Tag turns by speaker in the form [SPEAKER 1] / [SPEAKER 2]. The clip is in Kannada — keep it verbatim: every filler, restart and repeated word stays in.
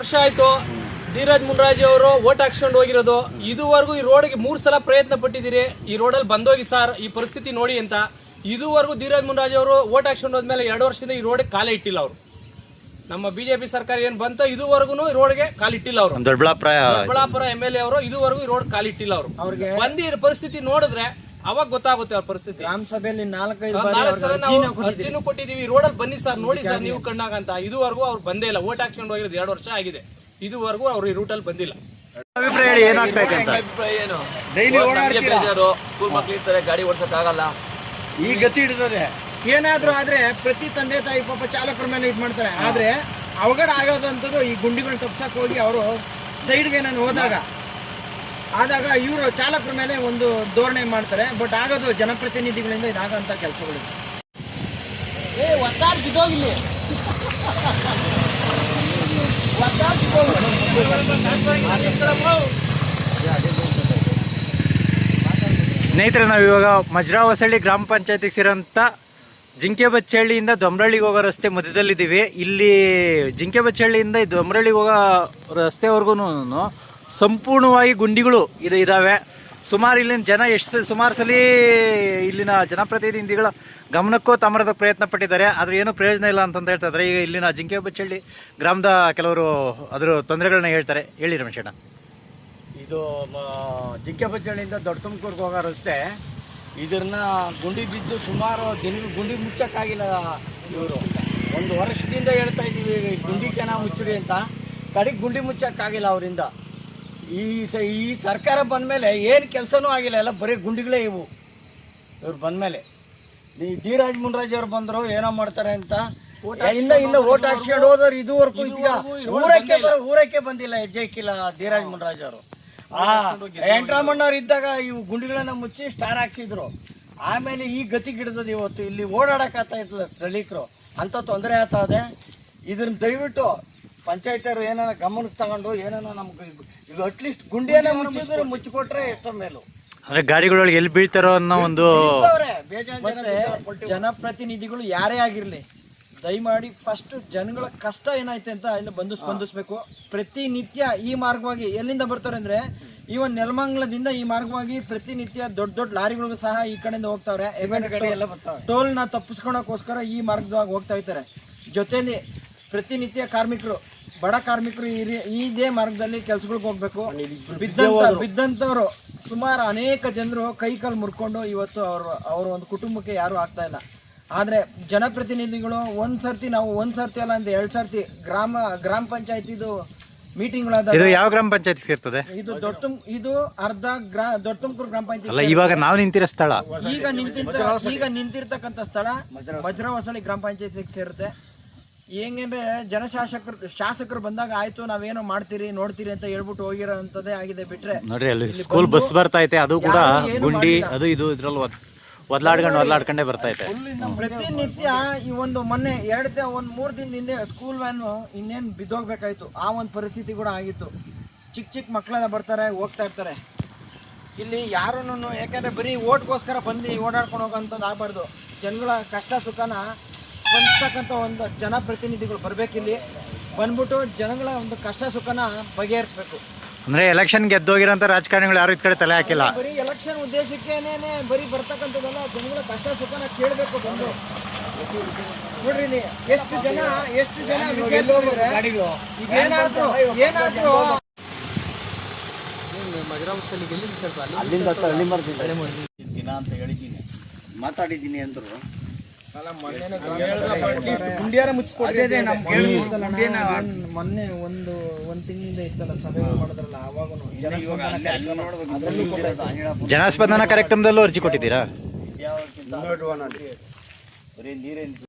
[SPEAKER 1] ವರ್ಷ ಆಯ್ತು ಧೀರಜ್ ಮುನ್ರಾಜ್ ಅವರು ಓಟ್ ಹಾಕ್ಸ್ಕೊಂಡು ಹೋಗಿರೋದು. ಇದುವರೆಗೂ ಈ ರೋಡ್ಗೆ ಮೂರು ಸಲ ಪ್ರಯತ್ನ ಪಟ್ಟಿದ್ದೀರಿ, ಈ ರೋಡಲ್ಲಿ ಬಂದೋಗಿ ಸರ್ ಈ ಪರಿಸ್ಥಿತಿ ನೋಡಿ ಅಂತ. ಇದುವರೆಗೂ ಧೀರಜ್ ಮುನ್ರಾಜ್ ಅವರು ಓಟ್ ಹಾಕ್ಸ್ಕೊಂಡು ಹೋದ್ಮೇಲೆ ಎರಡು ವರ್ಷದಿಂದ ಈ ರೋಡ್ಗೆ ಕಾಲೇ ಇಟ್ಟಿಲ್ಲ ಅವರು. ನಮ್ಮ ಬಿಜೆಪಿ ಸರ್ಕಾರ ಏನ್ ಬಂತ ಇದುವರೆಗೂ ಈ ರೋಡ್ಗೆ ಕಾಲಿಟ್ಟಿಲ್ಲ ಅವರು.
[SPEAKER 2] Doddaballapura
[SPEAKER 1] Doddaballapura M L A ಅವರು ಇದುವರೆಗೂ ಈ ರೋಡ್ ಕಾಲಿಟ್ಟಿಲ್ಲ ಅವರು. ಅವ್ರಿಗೆ ಬಂದಿ ಪರಿಸ್ಥಿತಿ ನೋಡಿದ್ರೆ ಅವಾಗ ಗೊತ್ತಾಗುತ್ತೆ ಅವ್ರ ಪರಿಸ್ಥಿತಿ.
[SPEAKER 3] ಗ್ರಾಮ ಸಭೆಯಲ್ಲಿ ನಾಲ್ಕೈದು
[SPEAKER 1] ಅರ್ಜಿನೂ ಕೊಟ್ಟಿದೀವಿ, ರೋಡಲ್ಲಿ ಬನ್ನಿ ಸರ್ ನೋಡಿ ಸರ್ ನೀವು ಕಣ್ಣಾಗ ಅಂತ. ಇದುವರೆಗೂ ಅವ್ರು ಬಂದೇ ಇಲ್ಲ. ಓಟ್ ಹಾಕ್ಸ್ಕೊಂಡು ಹೋಗಿರೋದು ಎರಡು ವರ್ಷ ಆಗಿದೆ, ಇದುವರೆಗೂ ಅವ್ರು ಈ ರೂಟಲ್ಲಿ ಬಂದಿಲ್ಲ.
[SPEAKER 2] ಅಭಿಪ್ರಾಯ ಏನಾಗ್ತಾ ಇದೆ ಅಂತ?
[SPEAKER 4] ಅಭಿಪ್ರಾಯ ಏನು, ಡೈಲಿ ಬೇಜಾರು, ಸ್ಕೂಲ್ ಮಕ್ಳು ಇರ್ತಾರೆ, ಗಾಡಿ ಓಡ್ಸಕ್ ಆಗಲ್ಲ,
[SPEAKER 3] ಈ ಗತಿ ಹಿಡಿದದೆ. ಏನಾದ್ರೂ ಆದ್ರೆ ಪ್ರತಿ ತಂದೆ ತಾಯಿ ಪಾಪ ಚಾಲಕರ ಮೇಲೆ ಇದು ಮಾಡ್ತಾರೆ. ಆದ್ರೆ ಅವಘಡ ಆಗೋದಂಥದ್ದು ಈ ಗುಂಡಿಗಳನ್ನ ತಪ್ಸಕ್ ಹೋಗಿ ಅವರು ಸೈಡ್ಗೆ ನಾನು ಹೋದಾಗ ಆದಾಗ ಇವರು ಚಾಲಕರ ಮೇಲೆ ಒಂದು ಧೋರಣೆ ಮಾಡ್ತಾರೆ. ಬಟ್ ಆಗೋದು ಜನಪ್ರತಿನಿಧಿಗಳಿಂದ ಇದಾಗಂತ ಕೆಲಸಗಳು.
[SPEAKER 1] ಏ ಒತ್ತಾಡ್ ಬಿದ್ದೋಗಿಲ್ಲ
[SPEAKER 2] ಸ್ನೇಹಿತರೆ, ನಾವು ಇವಾಗ ಮಜ್ರಾ ಹೊಸಳ್ಳಿ ಗ್ರಾಮ ಪಂಚಾಯತಿಗೆ ಸೇರೋಂಥ ಜಿಂಕೆ ಬಚ್ಚಹಳ್ಳಿಯಿಂದ ದೊಮ್ರಳ್ಳಿಗೆ ಹೋಗೋ ರಸ್ತೆ ಮಧ್ಯದಲ್ಲಿದ್ದೀವಿ. ಇಲ್ಲಿ ಜಿಂಕೆ ಬಚ್ಚಹಳ್ಳಿಯಿಂದ ದೊಮ್ರಳ್ಳಿಗೆ ಹೋಗೋ ರಸ್ತೆವರೆಗೂ ಸಂಪೂರ್ಣವಾಗಿ ಗುಂಡಿಗಳು ಇದು ಇದ್ದಾವೆ. ಸುಮಾರು ಇಲ್ಲಿನ ಜನ ಎಷ್ಟು ಸುಮಾರು ಸಲ ಇಲ್ಲಿನ ಜನಪ್ರತಿನಿಧಿಗಳ ಗಮನಕ್ಕೂ ತಮ್ಮರದ ಪ್ರಯತ್ನ ಪಟ್ಟಿದ್ದಾರೆ, ಆದರೆ ಏನೂ ಪ್ರಯೋಜನ ಇಲ್ಲ ಅಂತಂತ ಹೇಳ್ತಾ ಇದ್ದಾರೆ. ಈಗ ಇಲ್ಲಿನ ಜಿಂಕೆ ಬಚ್ಚಹಳ್ಳಿ ಗ್ರಾಮದ ಕೆಲವರು ಅದರ ತೊಂದರೆಗಳನ್ನ ಹೇಳ್ತಾರೆ. ಹೇಳಿ ರಮೇಶಣ್ಣ.
[SPEAKER 3] ಇದು ಜಿಂಕೆ ಬಚ್ಚಹಳ್ಳಿಯಿಂದ ದೊಡ್ಡ ತುಮಕೂರ್ಗೆ ಹೋಗೋ ರಸ್ತೆ. ಇದನ್ನ ಗುಂಡಿ ಬಿದ್ದು ಸುಮಾರು ದಿನ ಗುಂಡಿ ಮುಚ್ಚಕ್ಕಾಗಿಲ್ಲ. ಇವರು ಒಂದು ವರ್ಷದಿಂದ ಹೇಳ್ತಾ ಇದ್ದೀವಿ ಗುಂಡಿಗೆ ನಾವು ಮುಚ್ಚಿರಿ ಅಂತ, ಕಡೆಗೆ ಗುಂಡಿ ಮುಚ್ಚಕ್ಕಾಗಿಲ್ಲ ಅವರಿಂದ. ಈ ಸ ಈ ಸರ್ಕಾರ ಬಂದಮೇಲೆ ಏನು ಕೆಲಸನೂ ಆಗಿಲ್ಲ, ಎಲ್ಲ ಬರೀ ಗುಂಡಿಗಳೇ ಇವು. ಇವ್ರು ಬಂದಮೇಲೆ ಈ ಧೀರಜ್ ಮುನ್ರಾಜ್ ಅವ್ರು ಬಂದರು ಏನೋ ಮಾಡ್ತಾರೆ ಅಂತ ಇಲ್ಲ ಇಲ್ಲ ಓಟ್ ಹಾಕ್ಸ್ಕೊಂಡು ಹೋದವ್ರು ಇದುವರೆಗೂ ಈಗ ಊರಕ್ಕೆ ಬರೋ ಊರಕ್ಕೆ ಬಂದಿಲ್ಲ, ಹೆಜ್ಜೆ ಇಕ್ಕಿಲ್ಲ ಧೀರಜ್ ಮುನ್ರಾಜ್ ಅವರು. ಆ ವೆಂಕಟರಮಣ್ಣವ್ರು ಇದ್ದಾಗ ಇವು ಗುಂಡಿಗಳನ್ನ ಮುಚ್ಚಿ ಸ್ಟಾರ್ ಹಾಕ್ಸಿದ್ರು. ಆಮೇಲೆ ಈ ಗತಿ ಗಿಡದದು ಇವತ್ತು ಇಲ್ಲಿ ಓಡಾಡಕ್ ಆಗ್ತಾ ಇತ್ತಲ್ಲ ಸ್ಥಳೀಕರು ಅಂತ ತೊಂದರೆ ಆಗ್ತಾ ಇದೆ. ಇದನ್ನ ದಯವಿಟ್ಟು ಪಂಚಾಯತಿಯವರು ಏನಾರ ಗಮನಕ್ಕೆ ತಗೊಂಡು ಏನಾರ ನಮ್ಗೆ ಈಗ ಅಟ್ಲೀಸ್ಟ್ ಗುಂಡಿಯನ್ನ ಮುಚ್ಚಿದ್ರೆ ಮುಚ್ಚಿಕೊಟ್ರೆ ಎಷ್ಟೋ ಮೇಲು.
[SPEAKER 2] ಅಂದ್ರೆ ಗಾಡಿಗಳೊಳಗೆ ಎಲ್ಲಿ ಬೀಳ್ತಾರೋ ಅನ್ನೋ ಒಂದು
[SPEAKER 3] ಜನಪ್ರತಿನಿಧಿಗಳು ಯಾರೇ ಆಗಿರ್ಲಿ ದಯಮಾಡಿ ಫಸ್ಟ್ ಜನಗಳ ಕಷ್ಟ ಏನೈತೆ ಅಂತ ಇಲ್ಲಿ ಬಂದು ಸ್ಪಂದಿಸ್ಬೇಕು. ಪ್ರತಿನಿತ್ಯ ಈ ಮಾರ್ಗವಾಗಿ ಎಲ್ಲಿಂದ ಬರ್ತಾರೆ ಅಂದ್ರೆ ಈವನ್ ನೆಲಮಂಗಲದಿಂದ ಈ ಮಾರ್ಗವಾಗಿ ಪ್ರತಿನಿತ್ಯ ದೊಡ್ಡ ದೊಡ್ಡ ಲಾರಿಗಳಿಗೂ ಸಹ ಈ ಕಡೆಯಿಂದ ಹೋಗ್ತಾವ್ರೆ. ಟೋಲ್ ನ ತಪ್ಪಿಸ್ಕೊಳಕೋಸ್ಕರ ಈ ಮಾರ್ಗದಾಗ ಹೋಗ್ತಾ ಇರ್ತಾರೆ. ಜೊತೆಲಿ ಪ್ರತಿನಿತ್ಯ ಕಾರ್ಮಿಕರು, ಬಡ ಕಾರ್ಮಿಕರು ಇದೇ ಮಾರ್ಗದಲ್ಲಿ ಕೆಲ್ಸಗಳಿಗೆ ಹೋಗ್ಬೇಕು. ಬಿದ್ದಂತ ಬಿದ್ದಂತವ್ರು ಸುಮಾರು ಅನೇಕ ಜನರು ಕೈ ಕಾಲು ಮುರ್ಕೊಂಡು ಇವತ್ತು ಅವರು ಅವ್ರ ಒಂದು ಕುಟುಂಬಕ್ಕೆ ಯಾರು ಆಗ್ತಾ ಇಲ್ಲ. ಆದ್ರೆ ಜನಪ್ರತಿನಿಧಿಗಳು ಒಂದ್ ಸರ್ತಿ ನಾವು ಒಂದ್ ಸರ್ತಿ ಅಲ್ಲ ಅಂದ್ರೆ ಎರಡ್ ಸರ್ತಿ ಗ್ರಾಮ ಗ್ರಾಮ ಪಂಚಾಯತಿದು ಮೀಟಿಂಗ್ಗಳಾದ.
[SPEAKER 2] ಇದು ಯಾವ ಗ್ರಾಮ ಪಂಚಾಯತ್ ಸೇರ್ತದೆ?
[SPEAKER 3] ಇದು ದೊಡ್ಡ ಇದು ಅರ್ಧ ಗ್ರಾ ದೊಡ್ಡ ತುಮಕೂರು ಗ್ರಾಮ ಪಂಚಾಯತ್
[SPEAKER 2] ಅಲ್ಲ, ಇವಾಗ ನಾವು ನಿಂತಿರೋ ಸ್ಥಳ,
[SPEAKER 3] ಈಗ ನಿಂತಿರ್ತ ಈಗ ನಿಂತಿರ್ತಕ್ಕಂಥ ಸ್ಥಳ ಮಜ್ರಾ ಹೊಸಳ್ಳಿ ಗ್ರಾಮ ಪಂಚಾಯತ್ ಸೇರುತ್ತೆ. ಹೆಂಗಂದ್ರೆ ಜನಶಾಸಕರು ಶಾಸಕರು ಬಂದಾಗ ಆಯ್ತು ನಾವೇನೋ ಮಾಡ್ತೀರಿ ನೋಡ್ತೀರಿ ಅಂತ ಹೇಳ್ಬಿಟ್ಟು ಹೋಗಿರೋ ಅಂತದೇ ಆಗಿದೆ. ಬಿಟ್ರೆ
[SPEAKER 2] ನೋಡ್ರಿ ಅಲ್ಲಿ ಸ್ಕೂಲ್ ಬಸ್ ಬರ್ತಾ ಐತೆ, ಅದು ಕೂಡ ಗುಂಡಿ ಅದು ಇದು ಇದ್ರಲ್ಲಿ ಒದ್ಲಾಡ್ಕೊಂಡು ಒದ್ಲಾಡ್ಕೊಂಡೇ ಬರ್ತಾ ಐತೆ.
[SPEAKER 3] ಪ್ರತಿನಿತ್ಯ ಈ ಒಂದು ಮೊನ್ನೆ ಎರಡು ಒಂದ್ ಮೂರ್ ದಿನದ ಹಿಂದೆ ಸ್ಕೂಲ್ ವ್ಯಾನು ಇನ್ನೇನು ಬಿದ್ದೋಗ್ಬೇಕಾಯ್ತು, ಆ ಒಂದು ಪರಿಸ್ಥಿತಿ ಕೂಡ ಆಗಿತ್ತು. ಚಿಕ್ಕ ಚಿಕ್ಕ ಮಕ್ಕಳೆಲ್ಲ ಬರ್ತಾರೆ ಹೋಗ್ತಾ ಇರ್ತಾರೆ. ಇಲ್ಲಿ ಯಾರನ್ನು ಯಾಕಂದ್ರೆ ಬರೀ ಓಟ್ಗೋಸ್ಕರ ಬಂದು ಓಡಾಡ್ಕೊಂಡು ಹೋಗೋಂಥದ್ದು ಆಗ್ಬಾರ್ದು. ಜನಗಳ ಕಷ್ಟ ಸುಖನ ಸ್ಪಂದಿಸ್ತಕ್ಕಂಥ ಒಂದು ಜನಪ್ರತಿನಿಧಿಗಳು ಬರ್ಬೇಕಿಲ್ಲಿ, ಬಂದ್ಬಿಟ್ಟು ಜನಗಳ ಒಂದು ಕಷ್ಟ ಸುಖನ ಬಗೆಹರಿಸ್ಬೇಕು.
[SPEAKER 2] ಅಂದ್ರೆ ಎಲೆಕ್ಷನ್ ಗೆದ್ದೋಗಿರೋಂಥ ರಾಜಕಾರಣಿಗಳು ಯಾರು ಇದ್ ಕಡೆ ತಲೆ ಹಾಕಿಲ್ಲ.
[SPEAKER 3] ಬರೀ ಎಲೆಕ್ಷನ್ ಉದ್ದೇಶಕ್ಕೇನೆ ಬರೀ ಬರ್ತಕ್ಕಂಥದ್ದಲ್ಲ, ಜನಗಳ ಕಷ್ಟ ಸುಖನ ಕೇಳಬೇಕು ಬಂದು. ನೋಡ್ರಿ ಇಲ್ಲಿ ಎಷ್ಟು ಜನ ಎಷ್ಟು ಜನ ಏನಾದ್ರು ಏನಾದ್ರು
[SPEAKER 4] ಅಲ್ಲಿಂದ ಹಳ್ಳಿ ಮಾಡ್ತೀನಿ ದಿನ ಅಂತ ಹೇಳಿದ್ದೀನಿ, ಮಾತಾಡಿದ್ದೀನಿ ಅಂದ್ರು.
[SPEAKER 3] ಮೊನ್ನೆ ಒಂದು ಒಂದ್ ತಿಂಗಳಿಂದ ಇತ್ತಲ್ಲ ಸಭೆ ಮಾಡಿದ್ರಲ್ಲ, ಅವಾಗೂ
[SPEAKER 2] ಜನಸ್ಪಂದನ ಕಾರ್ಯಕ್ರಮದಲ್ಲೂ ಅರ್ಜಿ ಕೊಟ್ಟಿದ್ದೀರಾ?
[SPEAKER 4] ಬರೀ ನೀರೇನು